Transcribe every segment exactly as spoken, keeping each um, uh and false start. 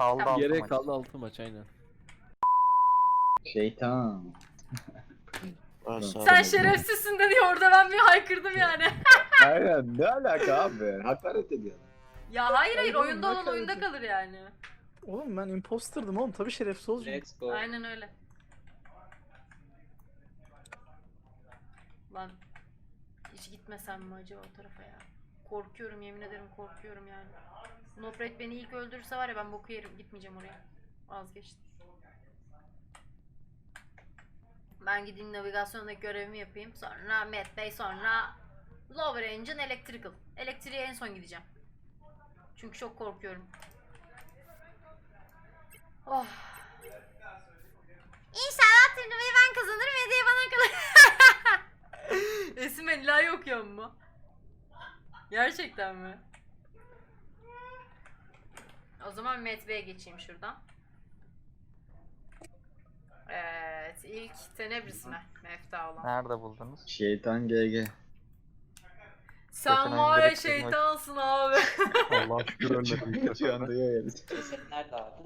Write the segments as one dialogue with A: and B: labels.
A: Kaldı
B: Tamam.
A: altı
C: Geriye
A: maç.
C: kaldı altı maç aynen.
D: Şeytan.
B: Sen şerefsizsin dedi orada ben bir haykırdım yani.
D: Aynen, ne alaka abi? Hakaret ediyor.
B: Ya hayır hayır
E: Hayır oğlum,
B: oyunda
E: ne
B: olan oyunda
E: hakareti?
B: kalır yani.
E: Oğlum ben imposterdım oğlum, tabii şerefsiz olacağım.
F: Let's go.
B: Aynen öyle. Lan hiç gitmesem mi acaba o tarafa ya? Korkuyorum, yemin ederim korkuyorum yani. Nofret beni ilk öldürürse var ya ben boku yerim, gitmeyeceğim oraya. Vazgeçtim. Ben gideyim navigasyondaki görevimi yapayım. Sonra Matt Bey, sonra Lower Engine Electrical. Elektriğe en son gideceğim. Çünkü çok korkuyorum. Oh. İnşallah turnuvayı ben kazanırım, hediye bana kalır. Esim Elila'yı okuyor mu? Gerçekten mi? O zaman Matt Bey'e geçeyim şuradan. Evet, ilk Tenebris mi? Mefta olan.
A: Nerede buldunuz?
D: Şeytan G G.
B: Sen
A: Geçen
B: var
A: oyun
B: ya
A: direkt kızmak-
B: şeytansın abi.
A: Allah şükür ölmedim.
D: Şu anda yeriz.
F: Ceset nerede abi?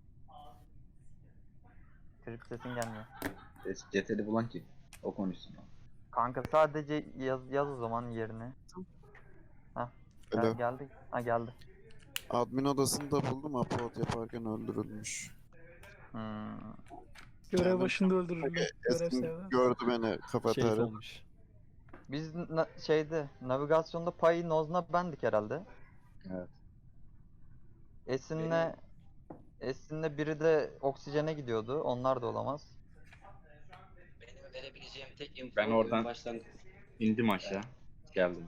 A: Trip sesin gelmiyor.
D: Ceteli bulan kim? O konuşsun.
A: Kanka sadece yaz, yaz o zaman yerini. Hah.
G: Alo.
A: Ha, geldi. Ha geldi.
G: Admin odasında buldum, upload yaparken öldürülmüş.
A: Hmm.
E: Görev
G: Yani-
E: başında öldürüldü. Görev
G: Esin
E: sevdi.
G: gördü beni
C: Şerif
G: kafeterya.
C: olmuş.
A: Biz na- şeyde navigasyonda payı Nozna bendik herhalde.
D: Evet.
A: Esin'le Esin'le biri de oksijene gidiyordu. Onlar da olamaz.
F: Benim verebileceğim tek info
D: Ben oradan-
F: başlangıç.
D: İndim aşağı. Geldim.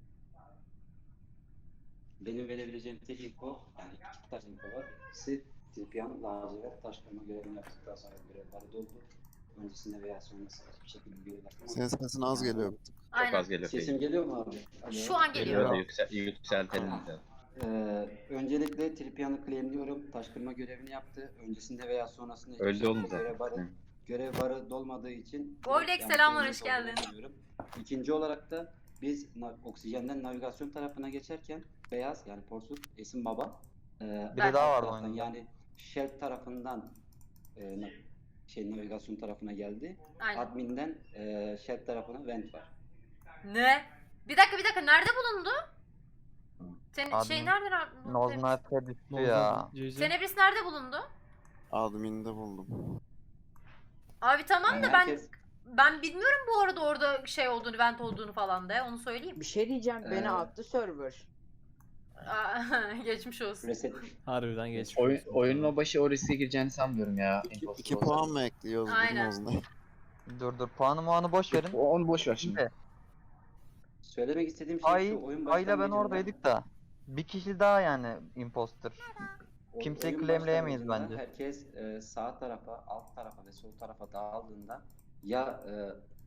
F: Benim verebileceğim tek info, yani iki tane info var. Birisi Tilpiyan lacivert taşlama görevini yaptıktan sonra görevleri doldu. Öncesinde veya sonrasında hiçbir şekilde görev yapmadı.
G: Senin sesin az geliyor.
D: Çok
B: Aynen.
D: az geliyor.
F: Sesim geliyor mu abi? Alo.
B: Şu an geliyor.
D: Geliyor da yüksel, yükseltelim de.
F: Ee, öncelikle Tilpiyan'ı claimliyorum. Taşkırma görevini yaptı. Öncesinde veya sonrasında hiçbir
D: Öldü
F: şekilde
D: oğlum zaten.
F: görev barı, görev barı dolmadığı için
B: Golek,
F: yani
B: selamlar,
F: claimli
B: hoş geldin.
F: olduğunu düşünüyorum. İkinci olarak da biz na- oksijenden navigasyon tarafına geçerken Beyaz yani Porsuk, Esin Baba e,
A: Biri
F: alt
A: daha vardı
F: taraftan,
A: oyunda.
F: yani Shell tarafından e, na- şey navigasyon tarafına geldi.
B: Aynen.
F: Admin'den e, Shell tarafına vent var.
B: Ne? Bir dakika bir dakika nerede bulundu? Ten
A: Admin-
B: şey nerede? ra-
A: Nozna Efe düştü ya.
C: C C.
B: Tenebris nerede bulundu?
G: Admin'de buldum.
B: Abi tamam
F: Yani
B: da ben
F: herkes-
B: ben bilmiyorum bu arada orada şey olduğunu, vent olduğunu falan da onu söyleyeyim.
H: Bir şey diyeceğim,
F: Ee,
H: beni attı server.
B: Aa, geçmiş olsun.
F: Reset.
C: Harbiden geçmiş.
D: Oyun,
C: olsun.
D: oyunun o başı o riske gireceğini sanmıyorum ya.
G: İki,
D: imposter
G: iki
D: olsa.
G: puan mı ekliyoruz
B: Aynen.
G: Nozla'ya?
A: Dur dur puanı muanı boş verin.
D: O- Onu boş ver şimdi.
A: Şimdi
F: Söylemek istediğim şey
A: Ay,
F: şu, oyun
A: Ay'la ben
F: başlangıcında-
A: oradaydık da. Bir kişi daha yani imposter.
F: O-
A: Kimseyi
F: oyun
A: claimleyemeyiz
F: başlangıcında
A: bence.
F: Herkes e, sağ tarafa, alt tarafa ve sol tarafa dağıldığında ya e,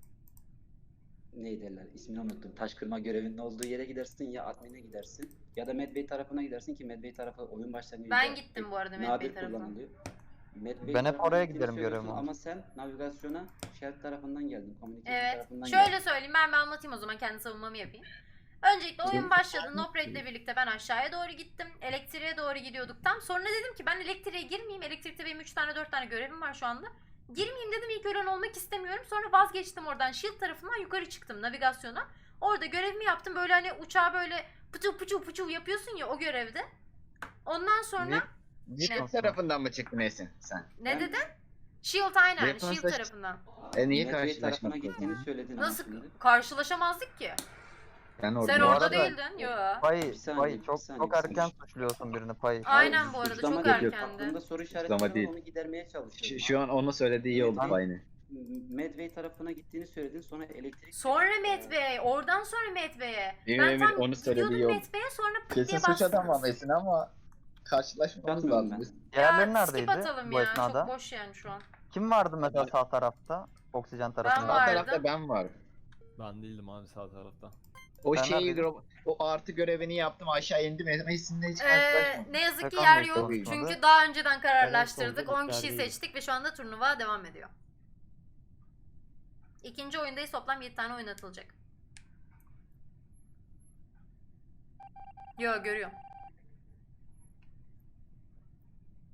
F: ne derler ismini unuttum. Taş kırma görevinin olduğu yere gidersin ya admin'e gidersin ya da Medbay tarafına gidersin ki Medbay tarafı oyun başlangıcında
B: Ben gittim bu arada Medbay
F: nadir
B: tarafına.
F: kullanılıyor. Medbay
A: Ben hep
F: tarafına
A: oraya
F: gittiğini
A: giderim
F: söylüyorsun
A: görevim
F: ama sen navigasyona Shell tarafından geldin. Communication
B: Evet.
F: tarafından
B: Şöyle
F: geldin.
B: söyleyeyim ben bir anlatayım o zaman kendi savunmamı yapayım. Öncelikle oyun başladı. Noprade'le birlikte ben aşağıya doğru gittim. Elektriğe doğru gidiyorduk tam. Sonra dedim ki ben elektriğe girmeyeyim. Elektrikte benim üç tane dört tane görevim var şu anda. Girmeyeyim dedim, ilk ölen olmak istemiyorum. Sonra vazgeçtim oradan. Shield tarafından yukarı çıktım navigasyona. Orada görevimi yaptım. Böyle hani uçağı böyle pıçı pıçı pıçı yapıyorsun ya o görevde. Ondan sonra
D: Shield tarafından mı çıktın Esin sen?
B: ne
F: Ben-
B: dedin? Shield aynen.
D: Weapons'la-
B: Shield tarafından.
D: E niye
F: Medbay tarafına
D: karşılaşmak
F: gittiğini
D: lazım?
F: söyledin ama
B: Nasıl
F: şimdi.
B: karşılaşamazdık ki?
D: Ben orada.
B: Sen
A: Bu
B: orada
A: arada-
B: değildin. Yo.
A: Pay,
F: Bir saniye,
A: pay
F: bir
A: çok
F: saniye,
A: çok
F: bir
A: erken
F: saniye.
A: suçluyorsun birini pay.
B: Aynen bu arada
F: Suçlama
B: çok
F: değil,
B: erkendi.
F: aklımda soru işareti
D: Suçlama
F: var,
D: değil.
F: onu gidermeye çalışıyorum.
D: Şu, şu an onu söylediği iyi oldu
F: Ben-
D: aynı.
F: Medway tarafına gittiğini söyledin, sonra elektrik...
B: Sonra Met Bey, oradan sonra Met Bey'e.
D: Emin
B: Ben
D: emin
B: tam
D: onu söylediği iyi
B: gidiyordum
D: oldu.
B: Met Bey'e sonra pıt
D: Kesin
B: diye
D: suç
B: bastınız.
D: adamı Esin ama karşılaşmamız
F: Yapmıyorum
D: lazım.
F: ben.
A: Diğerleri
B: Ya
A: neredeydi
B: skip atalım
A: bu
B: ya,
A: esnada?
B: çok boş yani şu an.
A: Kim vardı mesela sağ tarafta? Oksijen tarafında.
D: Sağ
B: vardım.
D: tarafta ben varım.
C: Ben değildim abi sağ tarafta.
D: O
A: Ben
D: şeyi
A: neredeydim?
D: gro- o artı görevini yaptım aşağı indim Esin'le hiç
B: Ee,
D: karşılaşmadım.
B: ne yazık ki
A: Hakan
B: yer
A: Bey
B: yok
A: konuşmadı.
B: çünkü daha önceden kararlaştırdık.
C: Ben en
B: on kişiyi
C: soldaki
B: seçtik ve şu anda turnuva devam ediyor. İkinci oyundayız, toplam yedi tane oynatılacak. Yo görüyorum.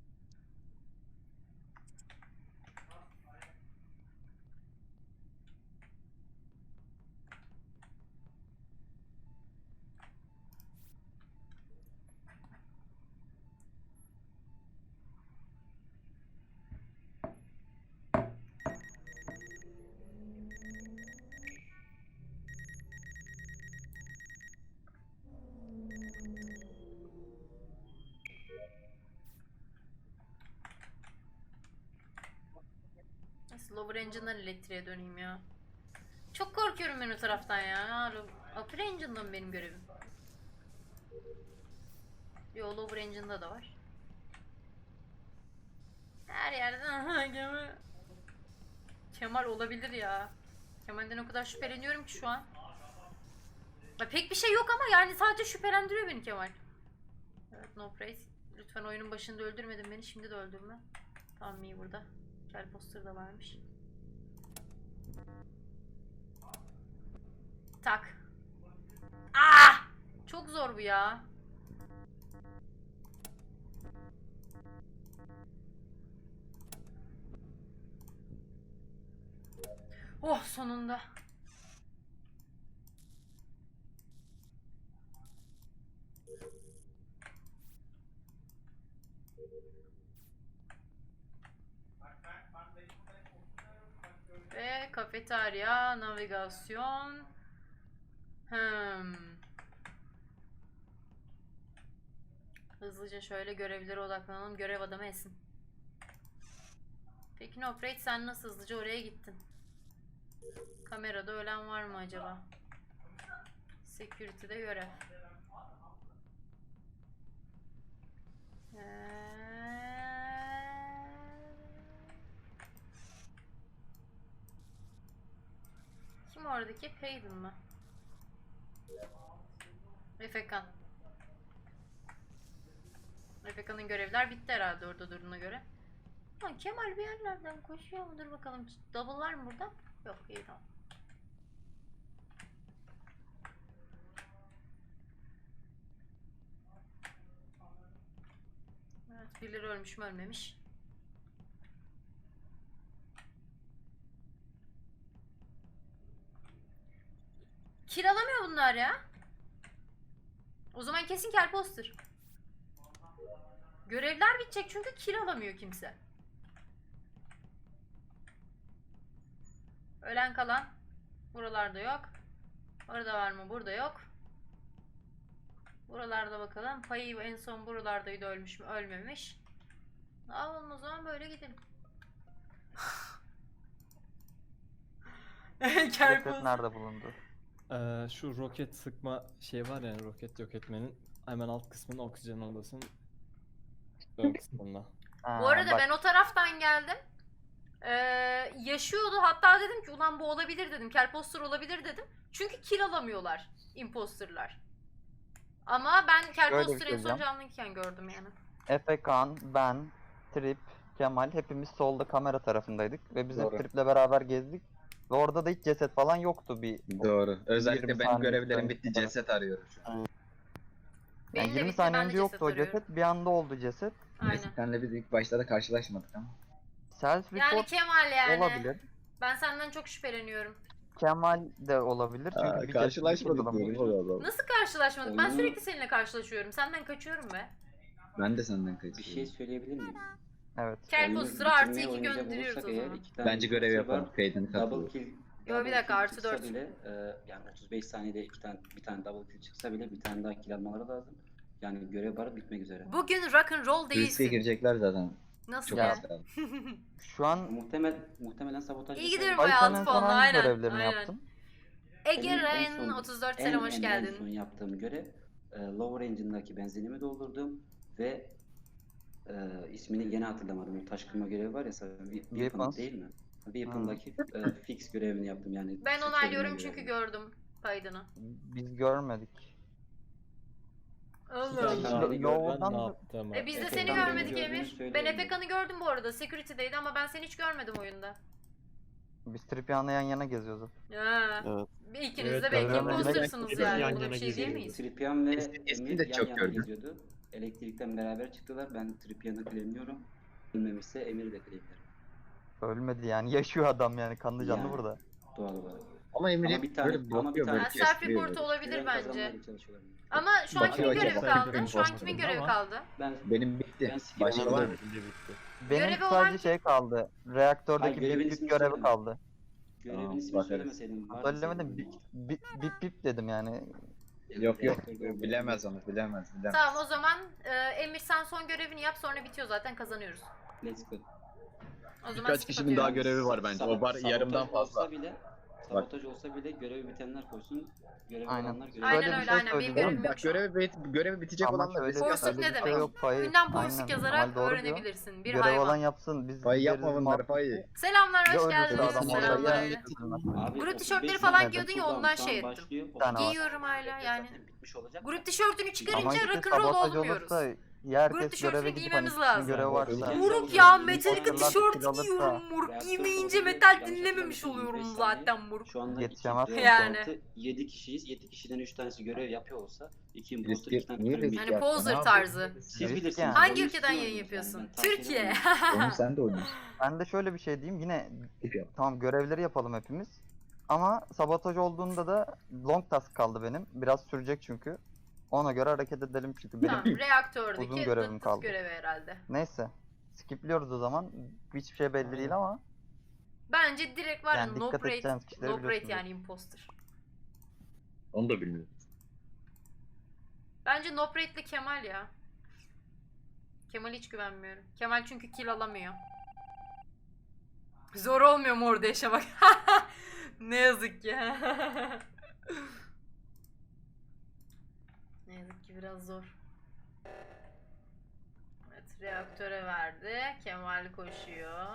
B: Lower Engine'dan elektriğe döneyim ya. Çok korkuyorum ben o taraftan ya. Upper Engine'da mı benim görevim? Yo, Lower Engine'da da var. Her yerden aha gemi. Kemal olabilir ya. Kemal'den o kadar şüpheleniyorum ki şu an. Ya pek bir şey yok ama yani sadece şüphelendiriyor beni Kemal. Evet, no praise. Lütfen oyunun başında öldürmedin beni, şimdi de öldürme. Tamam, iyi burada. Kel poster da varmış. Tak. Ah! Çok zor bu ya. Oh, sonunda. Ve kafeterya, navigasyon. Hmm. Hızlıca şöyle görevlere odaklanalım. Görev adamı Esin. Peki Nofrate, sen nasıl hızlıca oraya gittin? Kamerada ölen var mı acaba? Security'de görev. Ee... Kim oradaki? Payton mı? Efekan. Efekan'ın görevler bitti herhalde orada durduğuna göre. Ha, Kemal bir yerlerden koşuyor mu? Dur bakalım. Double var mı burada? Yok, iyi tamam. Evet, birileri ölmüş mü ölmemiş. Kiralamıyor bunlar ya. O zaman kesin kel poster. Görevler bitecek çünkü kiralamıyor kimse. Ölen kalan buralarda yok. Orada var mı? Burada yok. Buralarda bakalım. Payı en son buralardaydı, ölmüş mü? Ölmemiş. Ne yapalım o zaman, böyle gidelim.
A: Ceset nerede bulundu?
C: Ee, şu roket sıkma şey var ya, roket yok etmenin hemen alt kısmında, oksijen odasının ön kısmında.
A: Ha,
B: Bu arada
A: bak,
B: ben o taraftan geldim. Ee, yaşıyordu. Hatta dedim ki ulan bu olabilir dedim. Kelposter olabilir dedim. Çünkü kill alamıyorlar imposterlar. Ama ben
A: Şöyle bir
B: Kelposter'ı
A: şey
B: en son
A: diyeceğim.
B: canlıyken gördüm yani.
A: Efe Kan, ben, Trip, Kemal hepimiz solda kamera tarafındaydık ve biz hep
D: Doğru.
A: Trip'le beraber gezdik. Ve orada da hiç ceset falan yoktu bir.
D: Doğru. Özellikle
A: yirmi
D: benim
A: saniye
D: görevlerim
A: sonra
D: bitti.
A: falan.
D: Ceset arıyorum şu an.
A: Yani
B: Benim de
A: yirmi
B: bitti,
A: saniye
B: ben de
A: önce yoktu
B: ceset
A: o
B: arıyorum.
A: ceset, bir anda oldu ceset.
B: Aynen.
D: Senle biz ilk başta da karşılaşmadık ama.
A: Self
B: Yani
A: report
B: Kemal yani.
A: olabilir.
B: Ben senden çok şüpheleniyorum.
A: Kemal de olabilir çünkü
D: Aa,
A: bir
D: karşılaşmadık
A: ceset
D: diyorum oğlum.
B: Nasıl karşılaşmadık? Ben
F: Oyunu-
B: sürekli seninle karşılaşıyorum. Senden kaçıyorum be.
D: Ben de senden
F: Bir şey
D: kaçıyorum.
F: söyleyebilir miyim?
A: Evet.
B: Kelposter'ı
F: Oyunu
B: artı
F: bitirmeye
B: iki
F: oynayacak
B: gönderiyoruz
F: olursak
B: o
F: eğer
B: zaman.
F: iki tane
D: Bence görev
F: imposter var.
D: yapalım. Peyton'u
F: Double
D: katılıyor.
F: kill.
B: Yo, bir
F: double
B: dakika,
F: kill
B: artı
F: çıksa
B: dört.
F: Bile, e, yani otuz beş saniyede iki tane bir tane double kill çıksa bile bir tane daha kill almaları lazım. Yani görev barı bitmek üzere.
B: Bugün rock and roll
D: Riske
B: değilsin.
D: girecekler zaten.
B: Nasıl
D: Çok
B: ya?
D: az kaldı.
A: Şu an
F: Muhtemel muhtemelen sabotaj.
B: İyi
F: vesaire.
B: gidiyorum
A: Ay,
B: bayağı
A: sen
B: altı
A: en son
B: puanla,
A: hangi
B: aynen.
A: görevlerini
B: aynen.
A: yaptın?
B: Ege
F: Benim en
B: Ren
F: son-
B: otuz dört
F: En,
B: selam hoş
F: en,
B: geldin.
F: En son yaptığım görev e, Lower Engine'daki benzinimi doldurdum ve e, ismini gene hatırlamadım. O taş kırma görevi var ya, Weapon
A: Weapons.
F: değil mi? Weapon'daki e, fix görevini yaptım yani.
B: Ben
F: fix
B: onaylıyorum
F: edilme
B: çünkü
F: görevini.
B: gördüm kaydını.
A: Biz görmedik.
B: Allah
A: Ya,
B: Allah.
A: Yo-
C: Ben
A: Yoğurdan
C: ne
A: da-
C: yaptım?
B: E biz de
F: Efekan'ı
B: seni
F: ben
B: görmedik
F: gördüğümü
B: Emir. Ben
F: söylüyorum.
B: Efekan'ı gördüm bu arada. Security'deydi ama ben seni hiç görmedim oyunda.
A: Biz Tripyan'la yan yana geziyoruz.
B: Ya.
G: Evet.
B: Bir ikiniz
C: Evet,
B: de belki
A: görmedim.
B: impostersınız
H: Biz
B: yani.
H: yan
B: Buna
H: yana
B: bir şey
H: geziyoruz.
B: diyemeyiz.
F: Tripian ve
D: Eski- eski
F: Emir
D: de
F: yan
D: çok
F: yana
D: gördüm.
F: geziyordu. Elektrikten beraber çıktılar. Ben Tripian'ı claimliyorum. Ölmemişse Emir'i de claimlerim.
A: Ölmedi yani. Yaşıyor adam yani. Kanlı canlı
F: Yani.
A: burada.
F: Doğal olarak.
D: Ama Emir
F: Ama
D: hep
F: bir tane-
D: böyle
F: ama bir
D: bakıyor
F: tane-
D: böyle
B: Ha, self
D: kestiriyor
B: report
D: böyle.
B: olabilir
F: Görev
B: bence.
F: kazanmaya çalışıyorlar.
B: Ama şu an kimin
D: Bakıyor
B: görevi
D: acaba.
B: kaldı? Şu an
C: Imposter
B: kimin
C: ama-
B: görevi kaldı?
F: Ben
D: Benim bitti.
F: Ben sikeyim
D: Başka
F: ama
D: var
F: ben-
D: mı?
A: Benim
B: Görevi olan
A: sadece
B: kim?
A: şey kaldı. Reaktördeki
F: Hayır, görevin
A: bip bip
F: ismini
A: görevi
F: söyleme.
A: kaldı.
F: görevin
D: Tamam,
F: ismini
D: bakarız.
F: söylemeseydim. vardı
A: Söylemedim.
F: senin.
A: Bip bip bip, bip dedim yani.
D: Yok yok. Bilemez onu. Bilemez. Bilemez.
B: Tamam, o zaman e, Emir sen son görevini yap, sonra bitiyor zaten, kazanıyoruz.
F: Let's go.
B: O zaman
D: Birkaç
B: skip
D: kişinin daha
B: atıyorum.
D: görevi var bence. O var
F: Sabotaj
D: yarımdan fazla.
F: Olsa bile, sabotaj olsa bile görevi bitenler koysun. Görevi
A: Aynen.
F: olanlar görevi
B: Aynen
A: Şöyle bir
B: öyle
A: şey
B: aynen. Benim
A: söyleyeceğim.
B: görevim
D: Oğlum
B: yok
D: bak
B: şu an.
D: görevi, bit- görevi bitecek
A: Ama
D: olanlar
A: şöyle
D: destek
B: Forsuk
D: atar.
B: ne
A: bir şey
B: demek?
A: yok, payı-
B: Önden forsuk
A: aynen,
B: yazarak
A: Kemal doğru diyor.
B: öğrenebilirsin. Bir
A: Görev
B: hayvan.
A: olan yapsın. Biz
D: Payı yapma
A: veririz
D: bunları
A: muhabbeti.
D: payı.
B: Selamlar,
A: Ya
B: hoş
A: ölürse
B: geldiniz.
A: adam orada
B: Selamlar.
A: ya.
B: öyle.
F: Abi,
B: Grup
F: otuz
B: tişörtleri
F: beş
B: falan
F: saniye
B: giyiyordun ya,
F: cooldown
B: ondan
F: şu an
B: şey ettim.
F: başlıyor.
A: Bir tane var.
B: Giyiyorum hala yani.
F: Zaten bitmiş olacak.
B: Grup tişörtünü
A: Ama
B: çıkarınca
A: işte
B: rock'n'roll
A: sabotaj
B: olmuyoruz.
A: olursa ya herkes
B: Grup tişörtünü
A: göreve gidip hani
B: giymemiz
A: kişinin
B: lazım.
A: görevi varsa.
B: Moruk ya,
F: Moruk,
B: Metallica
A: Moruk,
B: tişört
A: kil alırsa-
B: giyiyorum moruk.
F: Reaktör
B: Giymeyince
F: sorunu
B: metal
F: yanlış
B: dinlememiş
F: hatırlamıyorsam
B: oluyorum
F: yirmi beş saniye.
B: zaten moruk.
F: Şu anda
A: Yetişemez.
B: Yani.
F: yedi kişiyiz. yedi kişiden üç tanesi görev yapıyor olsa iki
D: Risk-
F: imposter iki tane
D: niye
F: krimi.
D: risk
B: Hani
D: yaptın? Ne
B: poser
D: yapıyorsun?
B: tarzı.
F: Siz
A: Risk
F: bilirsiniz.
A: yani.
B: Hangi
F: Oyun
B: ülkeden
F: istiyor
B: yayın
F: muyuz
B: yapıyorsun?
F: yani? Ben tavsiye
B: Türkiye.
F: ederim.
D: Onu sen de oynuyorsun.
A: Ben de şöyle bir şey diyeyim. Yine
D: Tip yap.
A: tamam görevleri yapalım hepimiz. Ama sabotaj olduğunda da long task kaldı benim. Biraz sürecek çünkü. Ona göre hareket edelim çünkü benim.
B: Tamam, reaktördeki
A: Uzun görevim
B: dıt dıt
A: kaldı.
B: görevi herhalde.
A: Neyse. Skipliyoruz o zaman. Hiçbir şey belli değil ama.
B: Bence direkt var ya
A: Yani
B: no
A: dikkat
B: rate,
A: edeceğiniz kişileri
B: no rate
A: biliyorsunuz.
B: yani imposter.
D: Onu da bilmiyorum.
B: Bence no rate'li Kemal ya. Kemal hiç güvenmiyorum. Kemal çünkü kill alamıyor. Zor olmuyor mu orada yaşamak? Ne yazık ki. Ne yazık ki biraz zor. Evet, reaktöre verdi. Kemal koşuyor.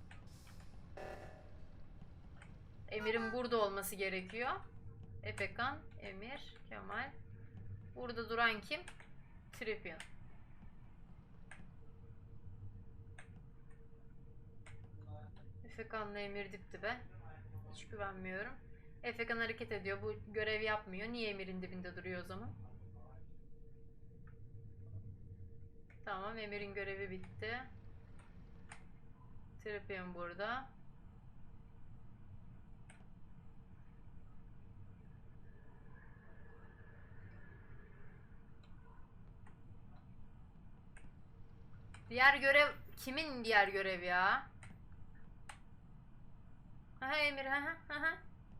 B: Emir'in burada olması gerekiyor. Efekan, Emir, Kemal. Burada duran kim? Tripian. Efekan'la Emir dip dibe. Hiç güvenmiyorum. Efekan hareket ediyor. Bu görev yapmıyor. Niye Emir'in dibinde duruyor o zaman? Tamam, Emir'in görevi bitti. Tripian burada. Diğer görev kimin diğer görev ya? Aha Emir, aha aha.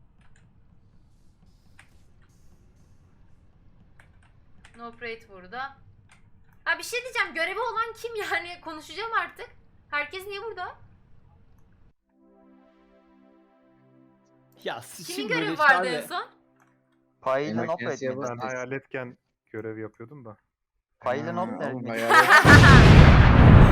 B: No Prate burada. Ha bir şey diyeceğim, görevi olan kim yani? Konuşacağım artık. Herkes niye burada?
C: Ya
B: Kimin
C: şimdi böyle
B: görevi
C: işte
B: vardı
C: abi-
B: en son?
A: Payıyla
D: Emek
A: not
D: yasaya
A: etmedi.
D: bas.
H: Ben hayaletken görev yapıyordum da.
A: Payıyla not
D: Ha, oğlum
A: etmedi.
D: hayalet-